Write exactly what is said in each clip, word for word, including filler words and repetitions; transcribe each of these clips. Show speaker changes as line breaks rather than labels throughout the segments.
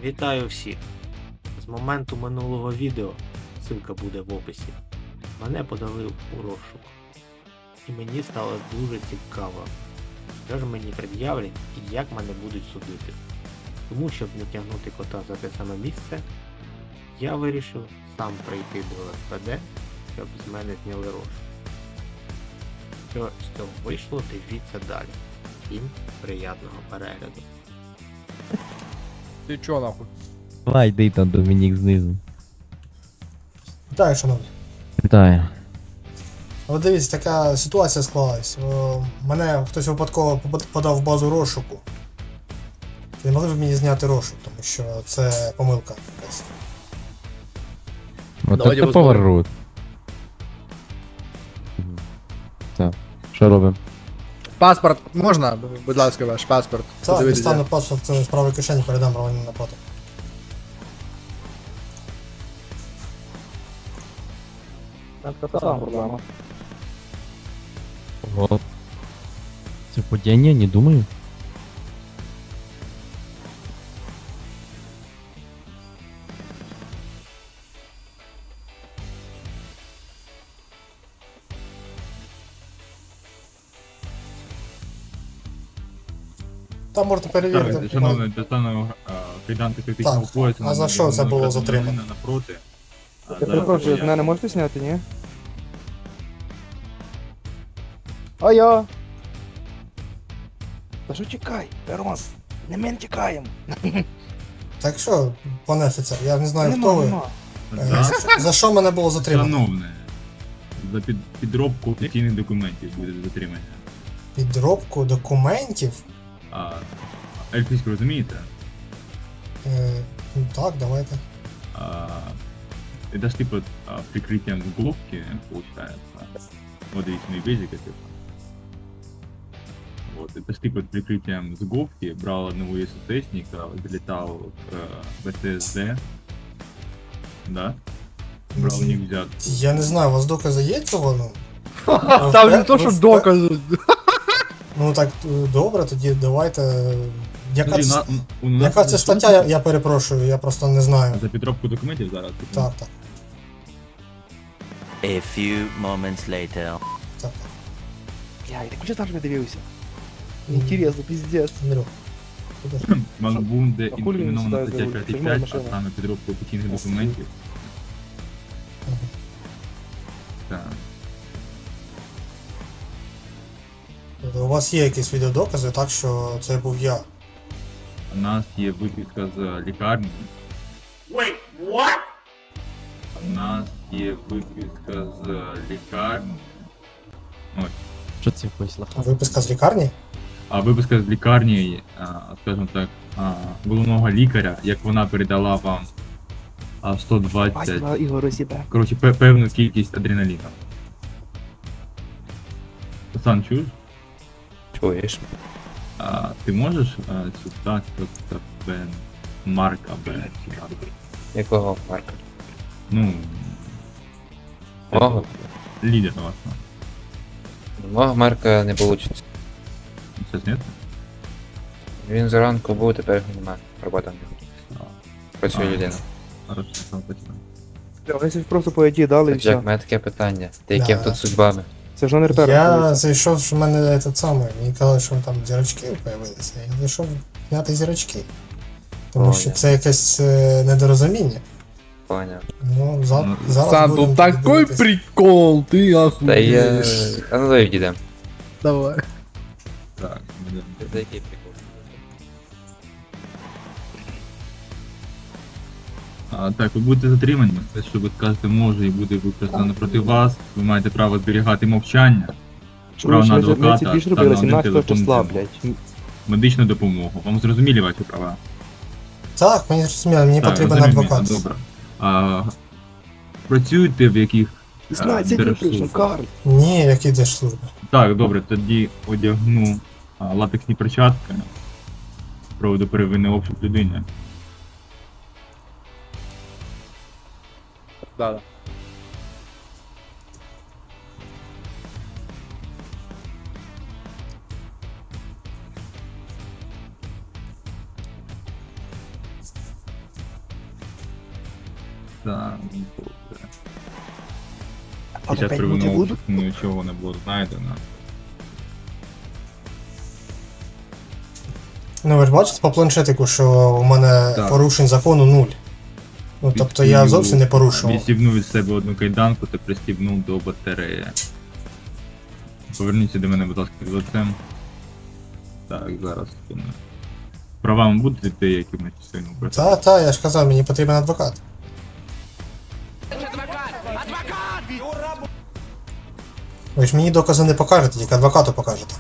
Вітаю всіх! З моменту минулого відео, ссылка буде в описі, мене подали у розшук. І мені стало дуже цікаво, що ж мені пред'являть і як мене будуть судити. Тому, щоб не тягнути кота за те саме місце, я вирішив сам прийти до ес пе де, щоб з мене зняли розшук. Що з цього вийшло, дивіться далі. Всім приятного перегляду.
Ти чо нахуй?
Давай, йди там Домінік знизу.
Вітаю, шановні.
Вітаю.
От дивіться, така ситуація склалась. О, мене хтось випадково попад- подав в базу розшуку. Чи не могли б мені зняти розшук, тому що це помилка якась.
От
Давайте
це
возьмемо.
поворот. Так, що робимо?
Паспорт можна? Будь ласка, ваш паспорт.
Так,
Подивіться.
дістану паспорт з правої кишені, передам Роману на потом.
Ого. Це падіння, не думаю.
Там можна перевірити.
Так, шановний, достану кайданки критичного
Так,
поясу.
а за що це було затримано?
Напроти. А,
Я
за
перепрошую, з
пояс.
мене можете зняти, ні? А я? Та що чекай, Роман, не мен тікаємо.
Так що, пане офіцер, я не знаю,
Нема,
хто ви.
нема.
Е,
За,
за- За що мене було затримано?
шановне, за під, підробку офіційних документів буде затримання.
Підробку документів?
А, ельфійську розумієте?
Е, ну так, давайте.
А, это ж типа а, прикрытием головки получается. Вот здесь на бейзике типа. Вот, это ж типа прикрытием с говки брал одного из СССника, залетал к вэ тэ эс дэ. Да? Брал у них взятку.
Я не знаю, у вас докази є цього? Ну,
Там не то, що
Ви впе-
докази.
Ну так, е, добре, тоді давайте. е, Яка,
Смотри,
це,
на- у нас
яка це
за
стаття, я, я перепрошую, я просто не знаю.
За підробку документів зараз. типу.
Так, так,
A few moments later.
так.
Я, ти куди завжди дивився? Інтересно, піздець.
Андрюх. Куди ж?
Макбунде
А хулі він
інкримінована
сюди
стаття
зробив?
п'ять
Це моя
п'ять, а
машина.
саме підробку офіційних документів.
Ага.
Так.
Тобто у вас є якісь відеодокази, так що це був я.
У нас є виписка з лікарні. Wait, what? У нас є виписка з лікарні. Ось.
Що це вийшло?
Виписка з лікарні?
А виписка з лікарні, а, скажімо так, а, головного лікаря, як вона передала вам а, сто двадцять,
Бачила Ігору себе.
коротше, пе- певну кількість адреналіну. Сан, чуєш?
Чуєш?
А, ти можеш а, сюди просто Бен Марка Бен сюди?
Якого парка?
Ну.
Мого?
Лідер у вас. ну.
Мого Марка не вийде.
Сейчас нет?
Він зранку був, тепер його немає. Робота не
А,
працює
А.
людина.
Хорошо, спасибо.
Вони ж просто по ІД дали і
Так, Джек, в
все.
мене таке питання. Ти яким
Да.
тут судьбами?
Це ж номер перший.
Я зайшов, що в мене це саме, мені казали, що там зірочки з'явилися. Я зайшов зняти зірочки. Тому
О,
що
я.
це якесь е, недорозуміння.
Поняв.
Ну, за,
Ну,
зараз
Сан,
будемо
тут такой
дивитись.
прикол, ти
Та
ахуєш.
є... А ну давай відійдемо.
Давай.
Так, ну, да.
За який прикол?
А, так, ви будете затримані, те, що ви скажете може і буде використано проти вас. Ви маєте право зберігати мовчання, право
Чуєш,
на
ми це- ми
адвоката
це більш
та
робили
на один
сімнадцятого
телефон
числа,
для
блядь.
медичну допомогу. Вам зрозумілі ваші права?
Так, мені зрозуміло, мені
Так,
потрібен
зрозуміло,
адвокат.
Добре. А, працюєте в яких а,
шістнадцять днів прийшов,
держслужбах?
Карл.
Ні, які держслужби.
Так, добре, тоді одягну а, латексні перчатки. Проведу первинний обшук людини.
Да, да.
Так,
А
під
то
час
п'ять минут
первинного
будут?
обшуку нічого не було знайдено.
Ну ви ж бачите по планшетику, що у мене
Так.
порушень закону нуль. Ну тобто я
Відстібнув-
зовсім не порушував.
Відстібнув із себе одну кайданку та пристібнув до батареї. Поверніться до мене, будь ласка, з лицем. Так, зараз. секунду. Правами будете йти якимось сильно?
Та, та, я ж казав, мені потрібен адвокат. Ви ж мені докази не покажете, тільки адвокату покажете.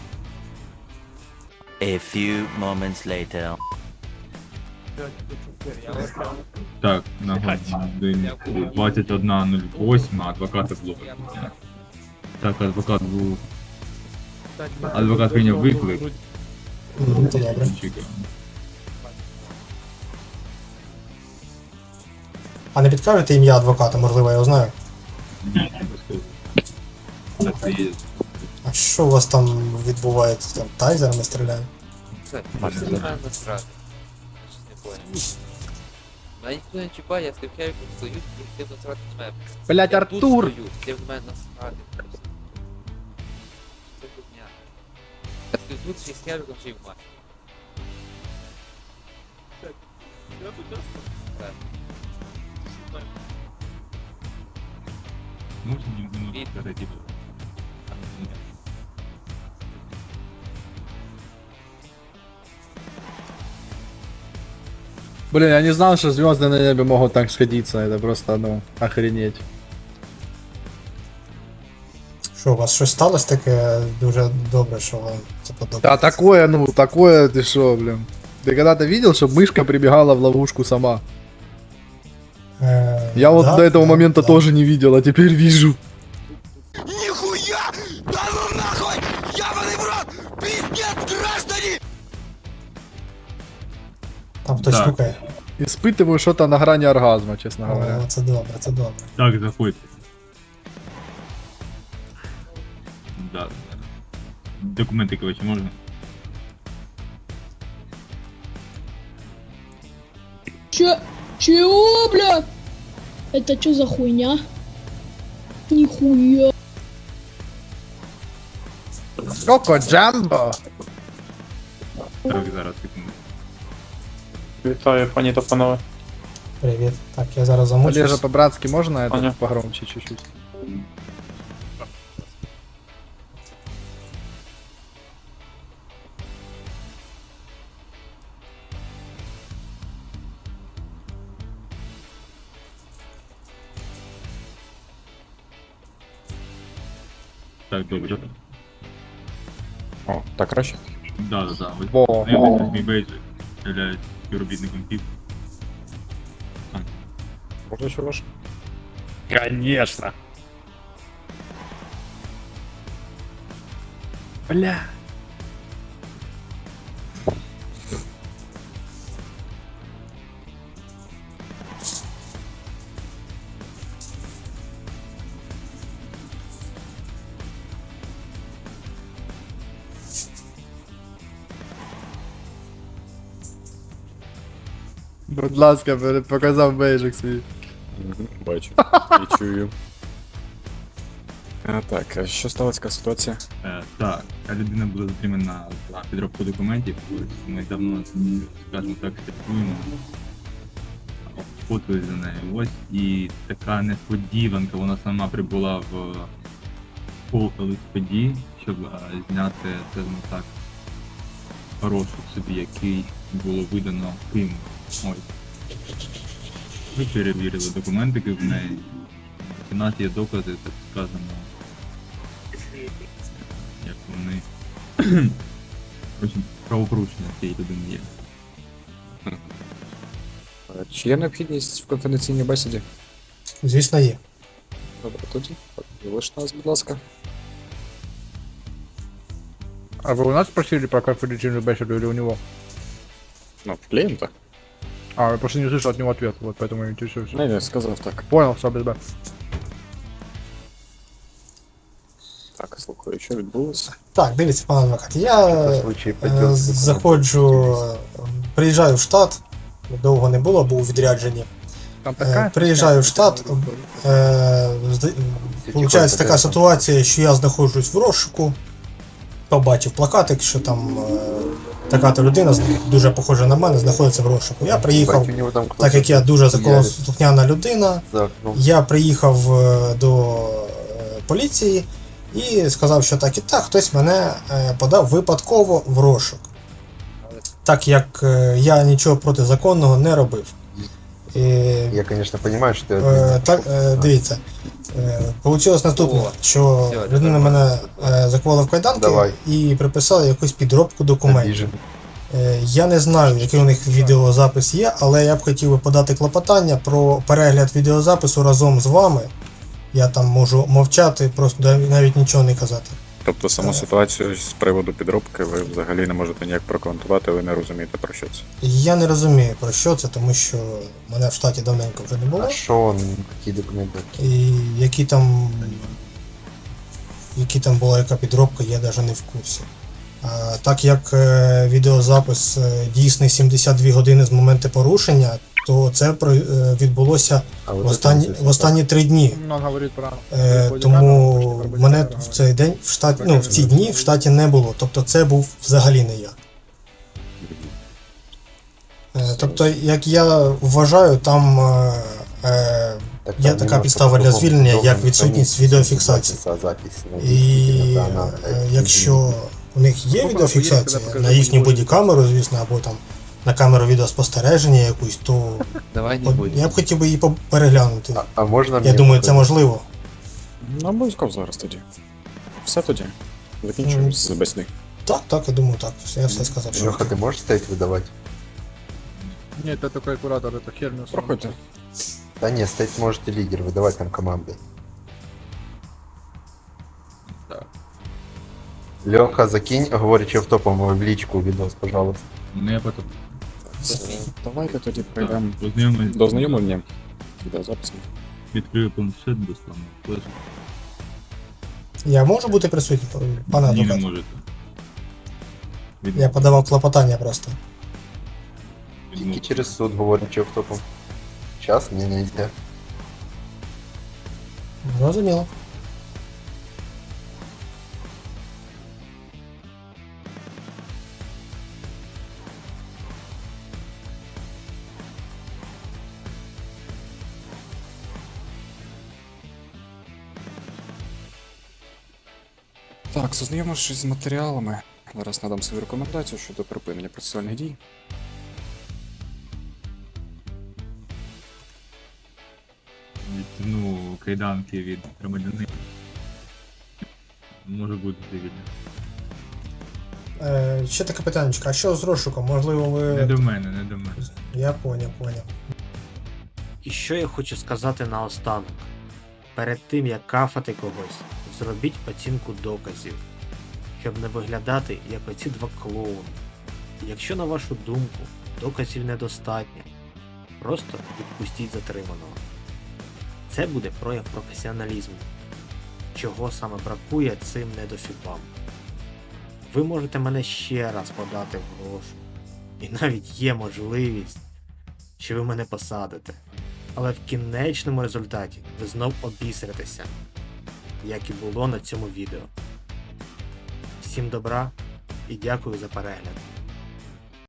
A few moments later.
Так, на годині двадцять одна нуль вісім, а адвоката було викликано. Так, адвокат був. Адвокат прийняв виклик.
Ну, то добре.
Чекаємо.
А не підкажете ім'я адвоката, можливо, я його знаю.
Ні, не безпечно. Так, це є.
А що у вас там відбувається? Там тайзерами стріляють?
Це,
Ладно,
це
зараз.
мене насрати. Щось не понял. Мене ніхто не чіпає, я стою хевіком стою, і ти насрати на мене.
Блять,
Я тут
Артур!
стою, ти в мене насрати. просто. Це дурня. Я стою тут, ще з хевіком, ще й в масці. Так.
Можна мені минуту
Від-
перейти?
Блин, я не знал, что звезды на небе могут так сходиться. Это просто, ну, охренеть.
Що, у вас щось сталося таке дуже добре, що вам це подобається?
Да, такое, ну, такое, ты шо, блин. Ты когда-то видел, чтобы мышка прибегала в ловушку сама?
Е,
Я вот
да,
до этого
да,
момента
да.
тоже не видел, а теперь вижу.
Нихуя! Да ну нахуй! Ебаный в рот! Пиздец, граждане!
Там хтось
Так.
стукає.
Испытываю что-то на грани оргазма, честно говоря.
О, це добре, це добре.
Так, заходьте. Да. Документи, короче, можна?
Чё? Чего, бля? Это что за хуйня? Нихуя.
Коко Джамбо!
Так, зараз, секунду.
Вітаю, пані та панове.
Привіт. Так, я зараз
Олежа,
замучусь.
по-братски можно это
Аня.
погромче чуть-чуть?
Так, добре.
О, так краще.
Да, да, да. Ви
Во.
знайомитесь, мій бейджик являється співробітником ПІП.
Можна ще ваш?
Конечно. Бля. Будь ласка, пере- показав бейджик свій.
Бачу. І чую. А, так, а що сталася така ситуація?
Е, так, ця людина була затримана за підробку документів. Ось ми давно, скажімо так, слідкуємо. Фото за нею. Ось і така несподіванка, вона сама прибула в полк подій, щоб е, зняти, скажімо так, розшук собі, який було видано Киму. Ось. Ми перевірили документики в неї. У нас є докази, так сказано, як вони коротше, правопорушення цієї людини є.
А, Чи є необхідність в конфіденційній бесіді?
Звісно, є.
Добре, тоді. Залиш нас, будь ласка.
А вы у нас спросили про конфиденциальную беседу или у него?
Ну, в клієнта.
А, я просто не слышал от него ответ, вот поэтому я интересуюсь.
Не, не, сказав так.
Понял, все, без б.
Так, слухаю, що відбулося?
Так, дивіться, пан адвокат. Я е, заходжу, е, приїжджаю в штат, довго не було, був у відрядженні.
Там
Е, Приїжджаю в штат. Е, зда- Получається така ситуація, що я знаходжусь в розшуку. Побачив плакатик, що там е, така-то людина, з- дуже похожа на мене, знаходиться в розшуку. Я приїхав, так як я дуже законослухняна людина, я приїхав е, до е, поліції і сказав, що так і так, хтось мене е, подав випадково в розшук. Так як е, я нічого протизаконного не робив. І,
Я, конечно, понимаю, что это...
Е, так, е, дивіться. Е, Получилось наступне, що людина мене е, закувала в кайданки
Давай.
і приписала якусь підробку документів.
Обижен.
Е, Я не знаю, який у них відеозапис є, але я б хотів би подати клопотання про перегляд відеозапису разом з вами. Я там можу мовчати, просто нав- навіть нічого не казати.
Тобто саму ситуацію з приводу підробки ви взагалі не можете ніяк прокоментувати, ви не розумієте про що це.
Я не розумію про що це, тому що мене в штаті давненько вже не було.
А что он, какие документы?
І які там. Які там була яка підробка, я навіть не в курсі. А, так як е, відеозапис е, дійсний сімдесят дві години з моменту порушення, то це про- е, відбулося
А
в
вот
останні,
это
в останні три дні.
Ну, он говорит про...
Е, тому мене в цей день в штаті, ну в ці дні в штаті не було. Тобто це був взагалі не я. Е, тобто, як я вважаю, там е, е,
Так
є
там
така
немножко
підстава для
по-другому.
звільнення, як
Должен
відсутність
храниться
відеофіксації.
запись, запись, ну,
І
действительно, да, она,
е,
э,
якщо у них є відеофіксація на їхню бодікамеру, звісно, або там на камеру відеоспостереження якусь, то
Давай не
от
будем.
я б хотів би її по- переглянути.
А, а можно
Я
мне
думаю, це
показать?
можливо.
Ну, обов'язково зараз тоді. Все тоді. Закінчуємо з бесіди.
Так, так, я думаю, так. Все, я все сказав. що-
Леха, ты можешь стоять выдавать?
Нет, это такой куратор, это херню.
Проходьте.
Да нет, стоять можете лидер, выдавать там команды.
Так.
Леха, закинь, говорячи в топом в личку видос, пожалуйста.
Ну я потім.
Давайте тоді прийдемо
Так, познайомий-
до знайомлення. Відеозаписом.
Відкрию планшет, достану флешку.
Я можу бути присутній, пане
Ні, не
адвокат?
можете. Від-
Я подавав клопотання просто.
відмовити.
Тільки через суд, говорячи в топом. Сейчас мне нельзя.
Зрозуміло.
Так, зазнайомившись з матеріалами, зараз надам свою рекомендацію щодо припинення процесуальних дій.
Відтягну кайданки від громадянина. Може бути вільно.
Е, ще таке питання, а що з розшуком? Можливо,
Не
ви.
до мене, не до мене.
Я поняв, поняв.
І що я хочу сказати наостанок. Перед тим як кафати когось, зробіть оцінку доказів, щоб не виглядати як оці два клоуни. Якщо на вашу думку доказів недостатньо, просто відпустіть затриманого. Це буде прояв професіоналізму, чого саме бракує цим недофіпам. Ви можете мене ще раз подати в грошу, і навіть є можливість, що ви мене посадите. Але в кінечному результаті ви знов обісритеся, як і було на цьому відео. Всім добра і дякую за перегляд.